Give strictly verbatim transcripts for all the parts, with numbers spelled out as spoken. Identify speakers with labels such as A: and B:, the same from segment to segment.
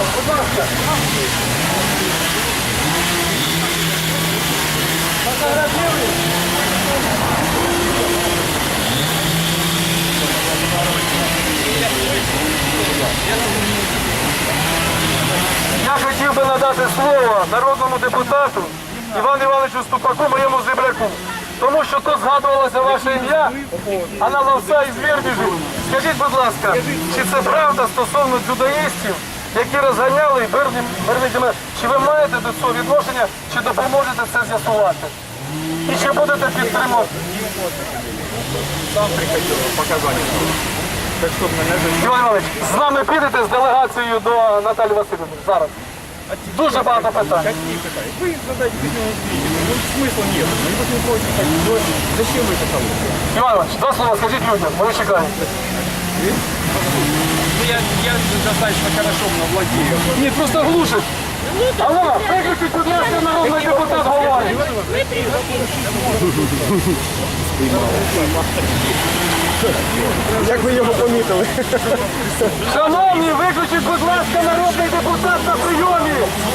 A: будь ласка. Фотографируй. Я хотів би надати слово народному депутату Івану Івановичу Ступаку, моєму земляку. Тому що тут згадувалося ваше ім'я, а на ловця із Вірбіжу. Скажіть, будь ласка, чи це правда стосовно дзюдоїстів, які розганяли Бердичева мене? Чи ви маєте до цього відношення, чи допоможете це з'ясувати? І чи будете підтримувати?
B: Сам приходив показати. Так що мене вже...
A: Іван Іванович, з нами підете з делегацією до Наталі Васильівни зараз? Дуже багато питань.
B: Какие питания? Вы задаете видео видео. Ну, смысла нет. Ну, вы не будете так делать. Зачем вы это делаете?
A: Іван Іванович, два слова скажіть людям, ми чекаємо.
B: Ну, я, я достаточно хорошо владею.
A: Ні, просто глушить. Алло, виключіть, будь ласка, народний депутат говорить.
B: Як ви його помітили?
A: Шановні, виключіть, будь ласка, народний депутат на прийомі.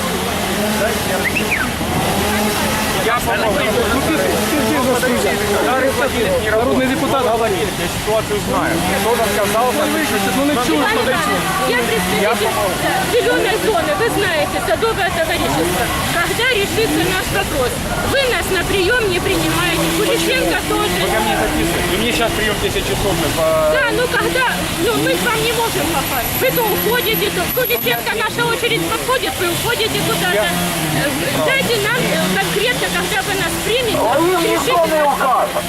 B: Я помогу. Народный депутат говорит, я ситуацию знаю. Кто-то отказался.
A: Ну не чую,
C: Иван Иванович, я представитель зеленой зоны, вы знаете, садовое товарищество. Когда решится наш вопрос? Вы нас на прием не принимаете, Куличенко тоже.
B: Вы ко мне записываете. И мне сейчас прием десять часов.
C: Да, ну когда, ну мы к вам не можем попасть. Вы то уходите, то Куличенко, наша очередь подходит, вы уходите куда-то. Дайте нам конкретно, когда вы нас примете, решите наш вопрос.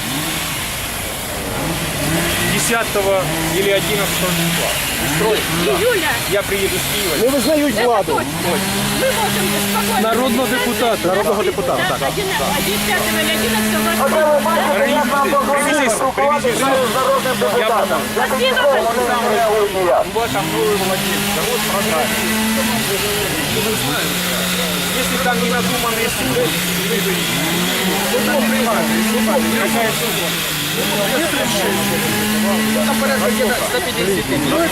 B: десятого или одиннадцатого числа.
C: Июля.
B: Я приеду с Киева.
A: Не визнають
C: Это
A: владу.
C: точно. Мы можем спокойно.
A: Народного депутата. Народного депутата,
C: Да,
A: так.
C: десятого или одиннадцатого вас
B: Привезите, привезите. Я подам.
C: Спасибо большое.
B: Вот там новый владелец. Завод продали. Если там не надуман ресурс, какая сумма? Там порядка где-то сто пятьдесят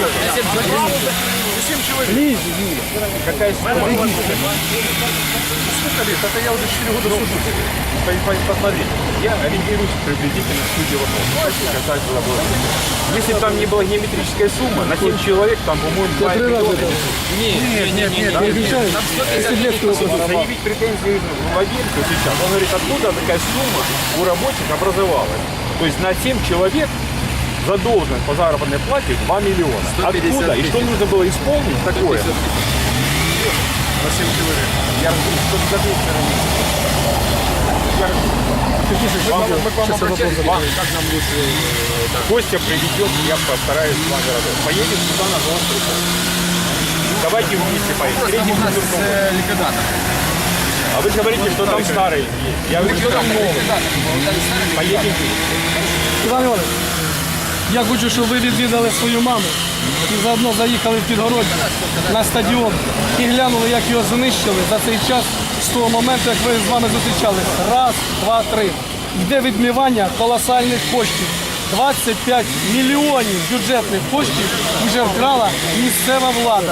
B: тысяч. Какая сумма? Сколько лет? Это я уже четыре года служу. Посмотрите, я ориентируюсь приблизительно в сути вопроса. Если бы там не была геометрическая сумма, на семь человек там, по-моему, два миллиона. Нет, нет, нет, нет. Там сто пятьдесят лет заявить претензии владельцу сейчас. Он говорит, откуда такая сумма у рабочих образовалась. То есть на семь человек задолжен по заработной плате два миллиона. Откуда? И что нужно было исполнить такое? На семь человек. Я разумею, что за две стороны. Вам, мы к вам обращались, как нам лучше. Костя приведет, я постараюсь с вами работать. Поедем сюда на завод. Давайте вместе поедем. Третий ликвидатор. А вы говорите, что там старый есть. Я говорю, что там новый. Поедем вместе.
A: Іван Іванович, я хочу, щоб ви відвідали свою маму і заодно заїхали в Підгороднє на стадіон і глянули, як його знищили за цей час з того моменту, як ви з вами зустрічались. Раз, два, три. Йде відмивання колосальних коштів. двадцять п'ять мільйонів бюджетних коштів вже вкрала місцева влада.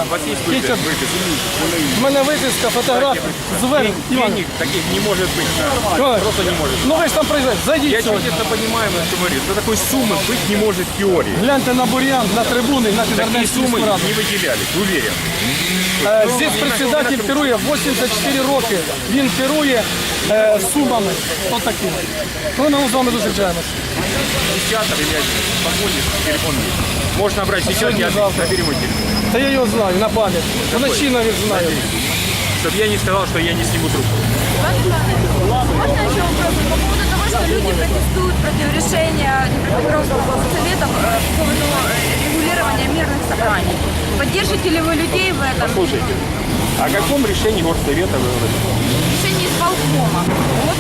A: У мене виписка, фотографія, звернення.
B: Денег таких не может быть. Просто не может.
A: Ну ви ж там приїжджаєте, зайдіть
B: Я
A: сьогодні.
B: честно понимаю, что говорит. Но такой суммы быть не может в теории.
A: Гляньте на бур'ян, на трибуни, на
B: Такие
A: Підгородненську
B: суммы
A: міську раду.
B: не выделялись, уверен.
A: Е, Здесь председатель керує вісімдесят чотири роки. Він керує е, сумами. Отакими. Коли ми з вами зустрічаємося?
B: Десяток или один. Позвоните, телефон есть. Можно набрать сейчас, я
A: завтра.
B: набери мой телефон.
A: Та я його знаю, на пам'ять. Вночі навіть знаю.
B: Чтобы я не сказал, что я не сниму трубку.
D: Можно еще вопрос по поводу того, что люди протестуют против решения Днепропетровского совета э, по поводу э, регулирования мирных собраний. Поддержите ли вы людей в этом?
B: Слушайте, о каком решении горсовета вы говорите?
D: Решение исполкома. Вот.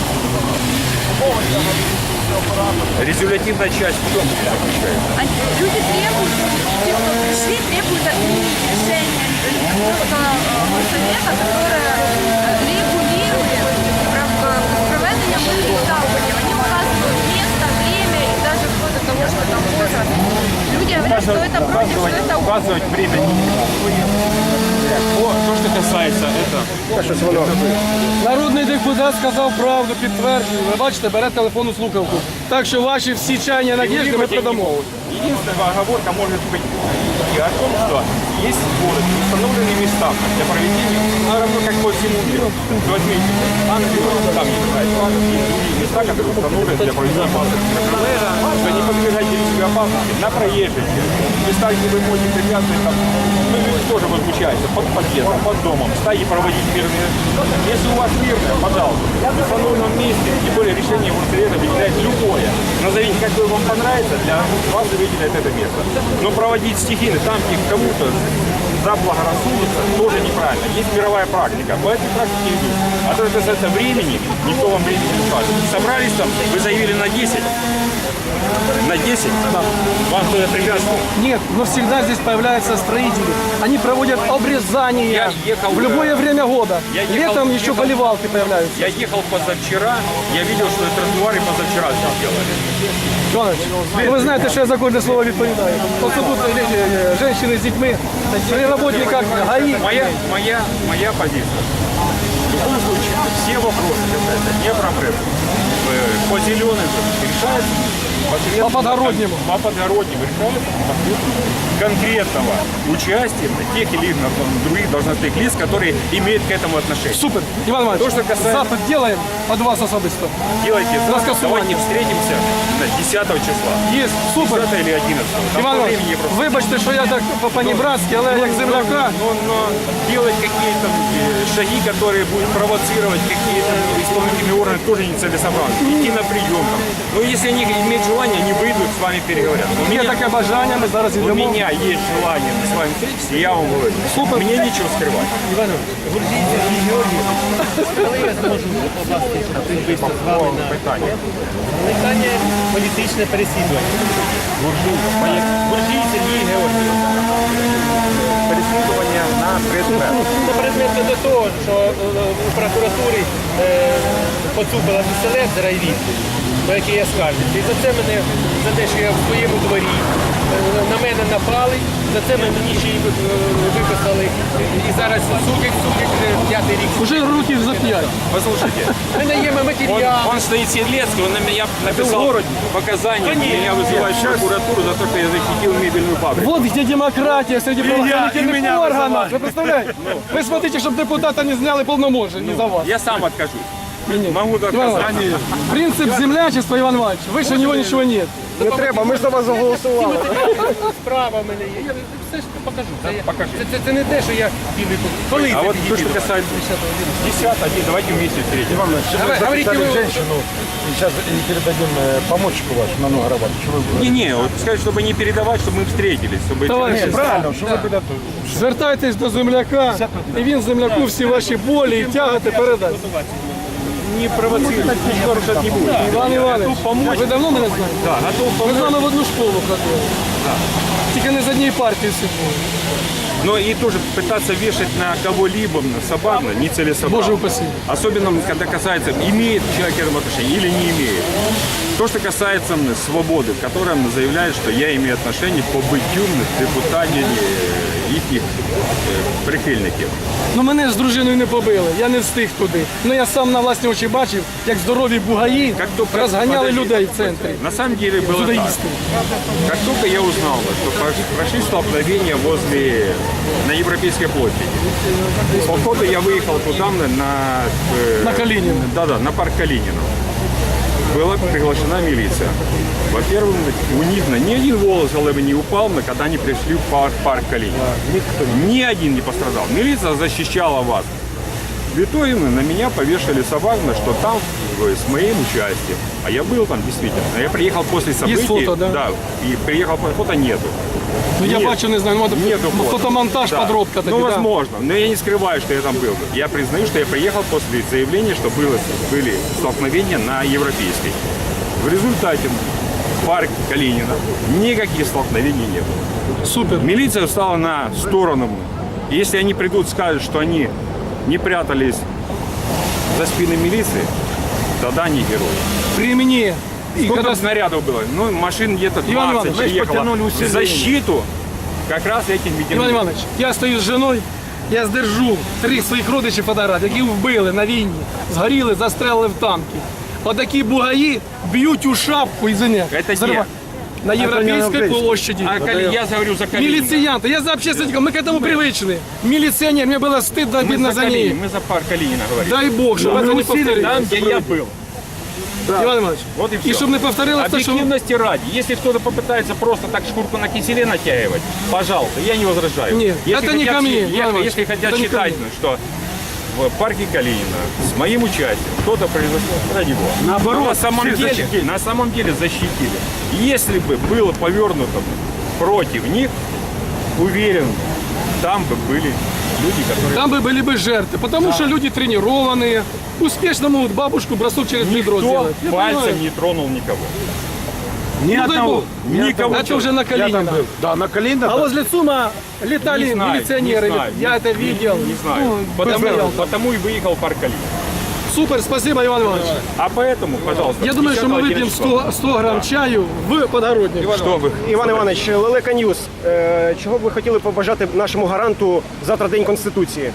B: Результативная часть в чем заключается?
D: Они- Люди требуют, те, кто пришли, требуют отменить решение Днепропетровского э, совета, которое э, регулирует пров- проведение мирных собраний. Они указывают место, время и даже вплоть до того, что там возраст. Люди говорят, что это против, что это
B: Указывать время. О, то, что касается это...
A: Народний депутат сказав правду, підтверджую. Ви бачите, бере телефонну слухавку. Так що ваші всі чайні надіжди ми продамо.
B: Единственная оговорка может быть и о том, что есть в городе установленные места для проведения, ну, равно как по всему миру. Возьмите, Англию, там есть другие места, которые установлены для проведения массовых, что не подвергайте риску опасности на проезжей территории. Места, где вы можете препятствовать, там, ну, люди тоже возмущаются, под подъездом, под домом, стаи проводить мирные. Если у вас мирное, пожалуйста, в установленном месте, тем более решение ВРЦР выделяет любое. Назовите, какое вам понравится, для вас выделяет это место. Но проводить стихийно там, где кому-то заблагорассудится, тоже неправильно. Есть мировая практика. По этой практике идут. А то, что касается времени, никто вам времени не скажет. Собрались там, вы заявили на десять. На десять? Да. Вам кто-то препятствовал?
A: Нет, но всегда здесь появляются строители. Они проводят обрезание
B: Я ехал,
A: в любое
B: э,
A: время года.
B: я ехал-
A: Летом еще
B: ехал-
A: поливалки появляются.
B: Я ехал позавчера, я видел, что тротуары позавчера все сделали.
A: Иванович, ну, ви знаєте, що я за кожне слово відповідаю. Ось тут е, е, жінки з дітьми, при роботі як ГАІ.
B: Моя, моя, моя позиция. В любом случае, все вопросы касаются не проблемы. По зеленым решаются посредством-
A: По подгороднему.
B: По подгороднему решаются посредством конкретного участия тех или иных других должностных лиц, которые имеют к этому отношение.
A: Супер. Іван Іванович,
B: То, що касається-
A: запит делаем под вас особисто.
B: Делайте
A: На
B: запись,
A: скасування.
B: давайте встретимся на десятого числа.
A: Є, супер.
B: десятого или одиннадцатого. Там
A: Іван
B: по
A: Іванович,
B: времени просто.
A: вибачте, що я так по-панібратськи, але як земляка.
B: Но, но делать какие-то э, шаги, которые будут провоцировать какие-то исполнительные органы, тоже нецелесообразно. Идти на прием. Там. Но если они имеют желание, они выйдут, с вами переговорят. У
A: Є
B: меня,
A: таке бажання, ми зараз
B: у
A: йдемо.
B: меня есть желание с вами встретиться, и я вам говорю.
A: Супер.
B: Мне нечего скрывать.
E: Коли я зможу побачити особисто з вами на
B: Питання.
E: питання політичне переслідування. Буржій Сергій Георгійович.
B: Переслідування на предмет.
E: Це предмет не до того, що е, у прокуратурі е, поцупила місцелець з райвідділу, про який я скаржуся. І за це мене, за те, що я в своєму дворі, е, на мене напали, за це мені ще й е, виписали. І зараз сукик, сукик, вже п'ятий рік.
A: Уже років за п'ять.
B: Послушайте,
E: У мене є
B: он,
E: матеріал.
B: он стоит Седлецкий, он на меня написал показания, меня вызывают в прокуратуру за то, что я защитил мебельную фабрику.
A: Вот где демократия среди правоохранительных органов. Вы представляете? Вы смотрите, чтобы депутата не сняли полномочия, не за вас.
B: Я сам откажусь.
A: Нет.
B: Могу
A: Иван
B: доказать.
A: Иванович, принцип землячества, Иван Иванович, выше него ничего нет.
F: Не треба, ми ж за вас заголосували.
E: Справа в мене є. Я все ж покажу. Це, я-
B: покажи.
E: це, це, це не те, що я білий. Коли
B: А
E: це
B: вот
E: ти
B: то, что
E: білий?
B: касается десятого, один, давайте вместе встретимся.
E: Давай, говорите
F: Записали
E: вы.
F: женщину, и сейчас и передадим э, помощнику вашу на Новгород. Чего вы
B: Не-не, вот сказать, чтобы не передавать, чтобы мы встретились. Чтобы
A: Товарищи,
F: Ні, правильно, що ви біля того.
A: Звертайтесь до земляка, і він земляку всі ваші болі і тягати передасть.
B: не провоцировать, ничего нарушать не будет.
A: Іван Іванович,
B: Готов помочь.
A: ви давно мене знаєте?
B: Да, готов
A: Ми з
B: помочь.
A: вами в одну школу ходили. Тільки не з однієї партії сиділи.
B: Но и тоже пытаться вешать на кого-либо, на собак, нецелесообразно.
A: Боже упаси.
B: Особенно, когда касается, имеет человек к этому отношение или не имеет. То, что касается м, свободы, в котором заявляет, что я имею отношение по бытию депутатів їхніх е, прихильників.
A: Ну мене з дружиною не побили, я не встиг туди. Ну я сам на власні очі бачив, як здорові бугаї
B: Как только-
A: розганяли
B: подожди.
A: людей в центрі.
B: На самом деле было так.
A: Дзюдоїсти.
B: Как только я узнал, что пош- прошли столкновения возле, на Европейской площади, походу я выехал туда на... На, э,
A: На Калинина.
B: Да-да, на парк Калинина. Была приглашена милиция. Во-первых, у них на ни один волос головы не упал, на когда они пришли в парк, парк Калинина. Ни один не пострадал. Милиция защищала вас. В итоге на меня повешали собак, на что там э, с моим участием. А я был там действительно. Я приехал после событий.
A: фото, да?
B: Да. И приехал, фото нету.
A: Ну я
B: Нет.
A: бачу, не знаю, ну,
B: Нету фото.
A: фотомонтаж,
B: Да.
A: подробка тоді,
B: Ну,
A: да.
B: возможно. Но я не скрываю, что я там был. Я признаю, что я приехал после заявления, что было, были столкновения на Европейской. В результате парк Калинина никаких столкновений не было.
A: Супер.
B: Милиция встала на сторону. Если они придут, скажут, что они не прятались за спиной милиции, тогда они герои.
A: При мне. И
B: Сколько
A: когда...
B: снарядов было? Ну, машин где-то
A: Иван
B: двадцать
A: Иванович,
B: приехало.
F: потянули
B: В
F: усиление.
B: защиту как раз этих
A: Иван
B: митингов.
A: Иванович, я стою с женой, я здержу три своїх родичів фотографій, які вбили на війні, згоріли, застрелили в танки. Отакі бугаї б'ють у шапку, извини,
B: Это
A: взрыва-
B: где?
A: на Європейській площаді.
B: А Кали- я говорю за Калинина.
A: Милицианты, я за общественников, мы к этому привычны. Милиционер, мне было стыдно,
B: Мы
A: обидно
B: за,
A: за
B: Калинина,
A: ней.
B: мы за парк Калинина говорим.
A: Дай Бог, чтобы это не повторилось.
B: Там, где я был.
A: Иван Иванович,
B: Вот и
A: и
B: все.
A: чтобы не повторилось то, что...
B: Объективности ради. Если кто-то попытается просто так шкурку на киселе натягивать, пожалуйста, я не возражаю.
A: Нет,
B: если
A: это не
B: хотят
A: ко мне,
B: щи-
A: Иван
B: я-
A: Иванович,
B: Если хотят
A: это не ко
B: считать,
A: мне.
B: ну, что в парке Калинина с моим участием кто-то произошел ради него.
F: Наоборот,
B: Но на самом
F: всех
B: деле,
F: защитили.
B: на самом деле защитили. Если бы было повернуто против них, уверен, там бы были люди, которые...
A: Там бы были бы жертвы, потому что люди тренированные, успешно могут бабушку бросок через бедро
B: Никто
A: сделать. Я
B: пальцем
A: понимаю.
B: не тронул никого.
F: Ни
A: Ну, дай
F: одного.
A: Бог.
F: Ни
B: Никого.
F: одного.
A: Это уже на
F: Я там
A: Калинина.
F: был. Да, на Калинина.
A: А возле ЦУМа летали
B: Не знаю,
A: милиционеры.
B: не знаю.
A: Я это видел.
B: Не знаю.
A: Ну,
B: потому,
A: поздравлял.
B: потому и выехал в парк Калинина.
A: Супер, спасибо, Иван Иванович.
B: А поэтому, пожалуйста,
A: Я думаю, что мы выпьем сто, сто грамм чаю в Подгородне.
B: Что вы?
G: Іван Іванович, Лелека Ньюс. Е, Чого б ви хотіли побажати нашому гаранту завтра День Конституції?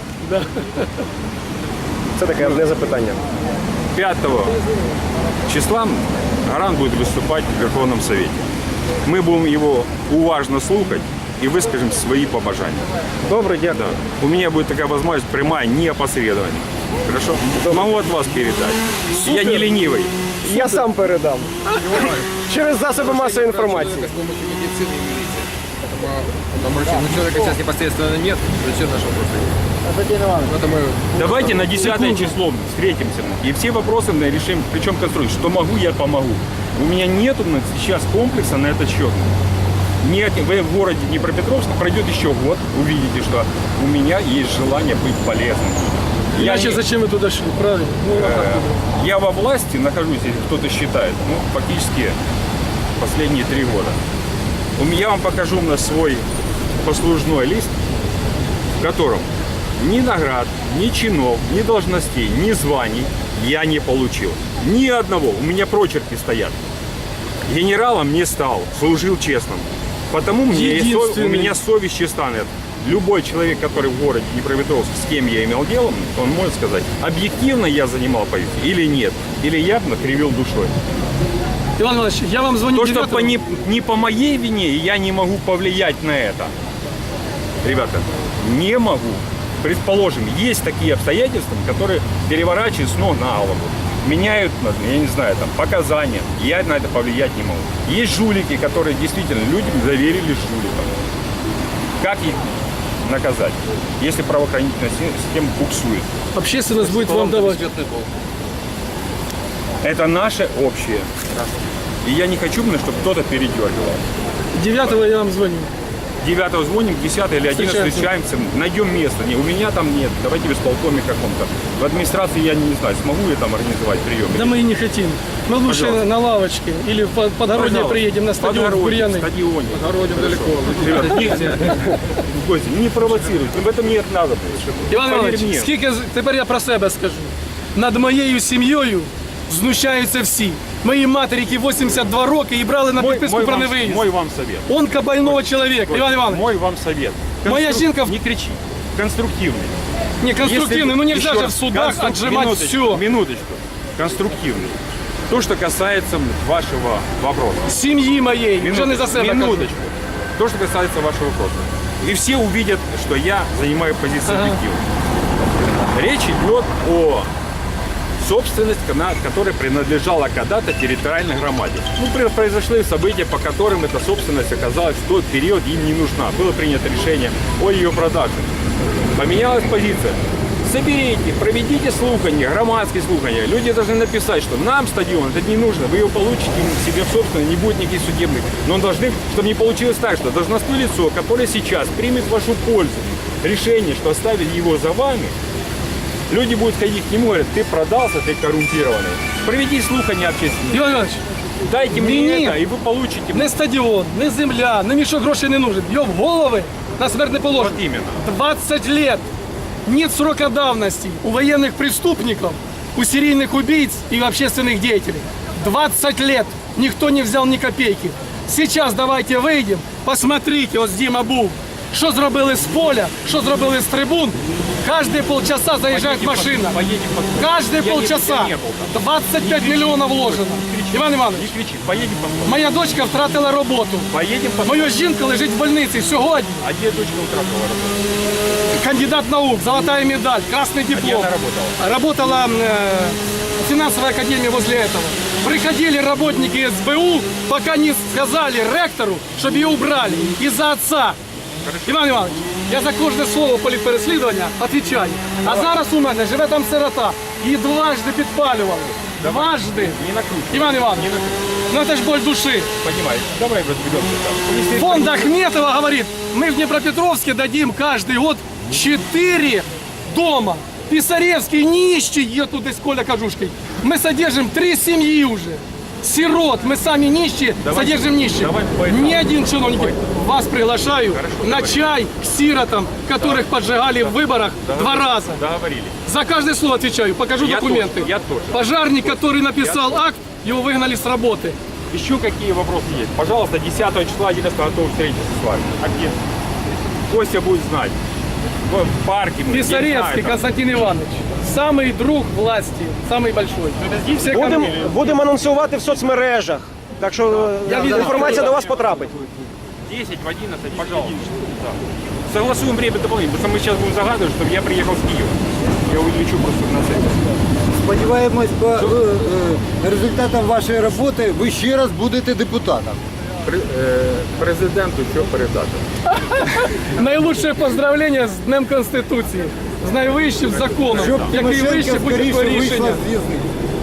G: Це таке одне запитання.
B: пятого числа Гарант будет выступать в Верховном Совете. Мы будем его уважно слухать и выскажем свои побажания.
G: Добре, дякую.
B: Да. У меня будет такая возможность прямая, не опосредование. Хорошо? Могу от вас передать. Я не ленивый.
G: Я сам передам. Через засоби масової інформації.
H: С помощью медицины и милиции. Потому что ну, человека сейчас непосредственно нет, зачем наш вопрос? Поэтому
B: Давайте на десятое число встретимся и все вопросы мы решим, причем конструктивно. Что могу, я помогу. У меня нету на- сейчас комплекса на этот счет. Нет, вы в городе Днепропетровск пройдет еще год, увидите, что у меня есть желание быть полезным. Я,
A: Иначе
B: не-
A: зачем вы туда шли, правильно? Ну, а как?
B: я во власти нахожусь, если кто-то считает, ну, фактически последние три года. У меня- Я вам покажу на свой послужной лист, в котором ни наград, ни чинов, ни должностей, ни званий я не получил. Ни одного. У меня прочерки стоят. Генералом не стал, служил честно. Потому мне есть со- у
A: Единственный.
B: меня совесть чиста на это. Любой человек, который в городе Днепропетровск, с кем я имел дело, он может сказать, объективно я занимал позицию или нет. Или явно кривил душой.
A: Иван Иванович, я вам звоню
B: То, что
A: девятого.
B: по не, не по моей вине, и я не могу повлиять на это. Ребята, не могу. Предположим, есть такие обстоятельства, которые переворачивают с ног на голову. Меняют, я не знаю, там, показания. Я на это повлиять не могу. Есть жулики, которые действительно людям доверили жуликам. Как их наказать, если правоохранительная система буксует?
A: Общественность будет вам давать.
H: цветный пол.
B: Это наше общее. И я не хочу, чтобы кто-то передергивал.
A: Девятого я вам звоню.
B: девятого звоним, десятого или одиннадцатого
A: Встречаемся.
B: встречаемся, найдем место. Не, у меня там нет, давайте в исполкоме каком-то. В администрации я не знаю, смогу я там организовать прием.
A: Да мы и не хотим. Мы лучше
B: Пожалуйста.
A: на лавочке или в Под- Подгородне
B: Пожалуйста.
A: приедем на стадион в
B: Подгородне,
A: Бурьяны.
B: стадионе.
H: Огородим далеко.
B: Ребят, не, Гости, не провоцируйте, в этом нет надо.
A: Іван
B: Поверь
A: Іванович,
B: мне.
A: скільки з- тепер я про себе скажу. Над моєю сім'єю знущаються всі. Мої матері, які вісімдесят два роки і брали на
B: Мой,
A: підписку
B: мой,
A: про
B: вам,
A: невиїзд.
B: мой вам совет.
A: Он кабального чоловіка. Іван Іванович,
B: Мой вам совет.
A: Моя
B: Конструк-
A: жінка в-
B: Не кричи. Конструктивный.
A: не конструктивний,
B: Если-
A: ну нельзя
B: еще
A: же в
B: раз,
A: судах
B: конструк-
A: отжимать
B: минуточку,
A: все.
B: Минуточку. Конструктивный. То, что касается вашего вопроса.
A: Сім'ї моєї, вже не за себе кажу.
B: Минуточку. То, что касается вашего вопроса. И все увидят, что я занимаю позицию
A: Ага.
B: объективную. Речь идет о собственности, на- которая принадлежала когда-то территориальной громаде. Ну, при- произошли события, по которым эта собственность оказалась в тот период им не нужна. Было принято решение о ее продаже. Поменялась позиция. Соберите, проведите слухания, громадские слухания. Люди должны написать, что нам стадион это не нужно, вы его получите себе в собственность, не будет никаких судебных. Но должны, чтобы не получилось так, что должностное лицо, которое сейчас примет в вашу пользу решение, что оставить его за вами, люди будут ходить к нему и говорят, ты продался, ты коррумпированный. Проведите слухания общественные.
A: Іван Іванович,
B: Дайте мне
A: Ні-ні.
B: это, и вы получите.
A: не стадіон, не земля, не мішок грошей не нужен. Його в голови на смерть не положено.
B: Вот именно.
A: двадцать лет. Нет срока давности у военных преступников, у серийных убийц и у общественных деятелей. двадцать лет. Никто не взял ни копейки. Сейчас давайте выйдем, посмотрите, вот Дима Бул. Що зробили з поля, що зробили з трибун. Кожні полчаса заїжджає машина. Кожні полчаса. двадцять п'ять мільйонів вложено. Іван Іванович,
B: Не кричи, поедем посмотрим.
A: моя дочка втратила роботу.
B: Поедем посмотрим.
A: Моя жінка лежить в больниці сьогодні.
B: А где дочка утратила работу?
A: Кандидат наук, золотая медаль, красный диплом.
B: она работала?
A: Работала э, в финансовой академии возле этого. Приходили работники СБУ, пока не сказали ректору, чтобы ее убрали из-за отца. Іван Іванович, я за кожне слово політпереслідування відповідаю. А зараз у мене живе там сирота. Її дважди підпалювали. Дважди.
B: Не накручивай.
A: Іван Іванович, ну це ж боль души.
B: Понимаешь? Давай разберемся там. Если
A: Фонд Ахметова говорит, мы в Днепропетровске дадим каждый год четыре дома. Писаревский, нищий, я тут из Коля Кожушкой. Мы содержим три семьи уже. Сирот, мы сами нищие,
B: Давай,
A: содержим нищих.
B: давай поэтому.
A: Ни один чиновник. Вас приглашаю на
B: давай.
A: чай к сиротам, которых поджигали в выборах два раза.
B: договорились.
A: За каждое слово отвечаю, покажу
B: Я
A: документы.
B: тоже, я тоже.
A: Пожарник, который написал акт, его выгнали с работы.
B: Еще какие вопросы есть? Пожалуйста, десятого числа одиннадцатого готов встретиться с вами. А где? Костя будет знать. В парке. мы, я не знаю,
A: Писаревский
B: там.
A: Константин Иванович. Самый друг власти, самый большой. Все ко
G: Будемо
A: мне.
G: будемо анонсувати в соцмережах. Так що
A: Я
G: е,
A: відео
G: інформація
A: скину.
G: до вас потрапить.
B: десять в одиннадцать, пожалуйста. Да. Согласуем время дополнительно, потому что мы сейчас будем загадывать, чтобы я приехал с Киева. Я улечу просто на сайте.
I: Сподіваємось, по е, е, результатам вашої роботи ви ще раз будете депутатом.
B: Пре- э, Президенту что передати?
A: Наилучшее поздравление з Днем Конституції, з найвищим законом,
I: Щоб
A: який вище
I: Тимошенко
A: будь-якого
I: скоріше вийшла
A: рішення.
I: з в'язниці.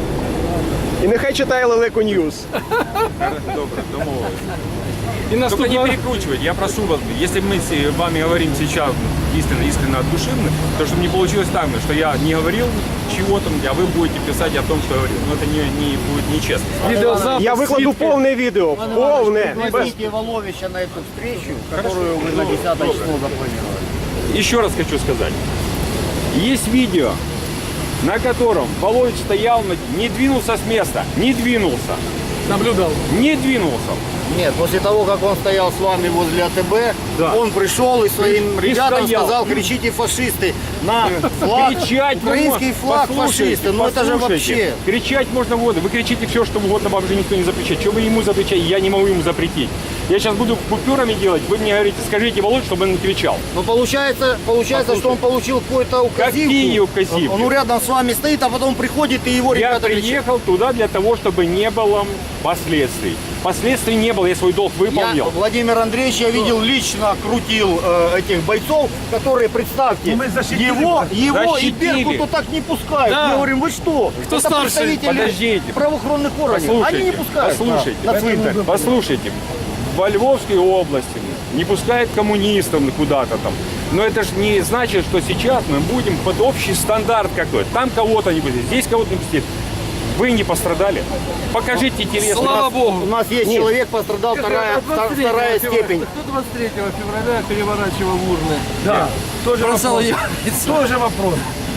G: І нехай читає Лелеко Ньюс.
B: Добре, домовились.
A: І
B: Только не
A: наступного
B: перекручивать, я прошу вас, если мы с вами говорим сейчас искренне, искренне от душевно, то чтобы не получилось так, что я не говорил чего-то, а вы будете писать о том, что говорил. Но это не, не будет нечестно.
A: відеозапис.
G: Я викладу
A: свідки.
G: повне відео. Повне. Без-
I: Пригласите Воловича на эту встречу, которую вы на десятое число запланировали.
B: Еще раз хочу сказать. Есть видео, на котором Володь стоял, на- не двинулся с места, не двинулся,
A: Наблюдал.
B: не двинулся.
I: Нет, после того, как он стоял с вами возле АТБ,
B: Да.
I: он пришел и своим
B: И
I: ребятам
B: стоял.
I: сказал, кричите фашисты на флаг,
B: Кричать вы
I: украинский
B: можете.
I: флаг
B: Послушайте,
I: фашисты. Ну это же
B: послушайте.
I: вообще...
B: Кричать можно вот. Вы кричите все, что угодно, вам же никто не запрещает. Что вы ему запрещаете? Я не могу ему запретить. Я сейчас буду купюрами делать, вы мне говорите, скажите Володь, чтобы он не кричал.
I: Ну получается, получается, что он получил какую-то указивку.
B: Какие указивки?
I: Он, он рядом с вами стоит, а потом приходит и его
B: Я
I: ребята кричат.
B: приехал туда для того, чтобы не было последствий. Последствий не было, я свой долг
I: Я,
B: выполнил.
I: Владимир Андреевич, я видел, лично крутил э, этих бойцов, которые, представьте, его, его и
B: Защитили.
I: Беркуту так не пускают.
A: Да.
I: Мы говорим, вы что?
A: Кто
I: Это
A: старший?
I: представители
B: Подождите.
I: правоохранных органов.
B: Послушайте,
I: Они не пускают.
B: послушайте,
I: на, на Твиттер.
B: послушайте. Во Львовской области не пускают коммунистов куда-то там. Но это же не значит, что сейчас мы будем под общий стандарт какой-то. Там кого-то не пустить, здесь кого-то не пустить. Вы не пострадали? Покажите интересно.
A: Слава
I: У
A: Богу.
I: нас есть человек, пострадал вторая, втор- вторая степень.
F: Кто двадцать третьего февраля переворачивал урны?
A: Да.
F: Тоже вопрос. Тоже вопрос.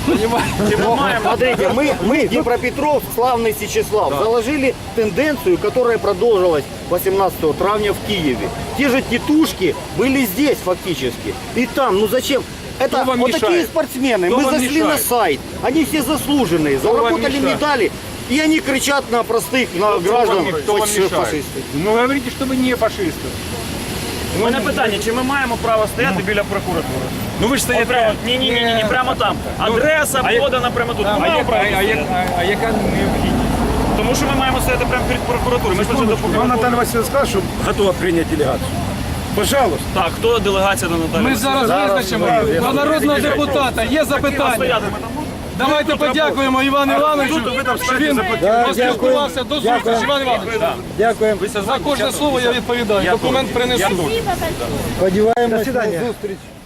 I: Смотрите, мы, мы Днепропетровск, славный Сечеслав, заложили тенденцию, которая продолжилась восемнадцатого травня в Киеве. Те же тетушки были здесь фактически. И там, ну зачем? Это
B: Кто вам
I: вот
B: мешает?
I: такие спортсмены.
B: Кто
I: мы
B: вам
I: зашли на
B: мешает?
I: сайт. Они все заслуженные,
B: Кто вам
I: заработали
B: мешает?
I: медали. И они кричат на простых, на
B: Кто
I: граждан,
B: вам- кто вам
I: фаши-
B: мешает?
I: фашисты.
B: Ну говорите, что вы не фашисты.
J: У мене питання, чи ми маємо право стояти біля прокуратури?
B: Ну ви ж
J: От
B: стоїте.
J: прямо, ні, ні, ні, ні, ні, прямо там. Адреса
B: а як-
J: подана прямо тут. Ми
B: А,
J: маємо
B: як-
J: право
B: а, а, як-
J: стояти?
B: а, а яка необхідність?
J: Тому що ми маємо стояти прямо перед прокуратурою. Ми ж лише до
F: Вам
J: прокуратури.
F: Наталья Васильевна сказала, что готова принять делегацию. Пожалуйста.
J: Так, хто делегація до Наталі?
A: Ми зараз визначимо до народного депутата. Є запитання.
J: Стояти.
A: Давайте подякуємо Івану Івановичу, що він поспілкувався. До зустрічі, Іван Іванович.
I: Дякуємо.
A: За кожне слово я відповідаю. Документ принесу.
I: Сподіваємось на зустріч.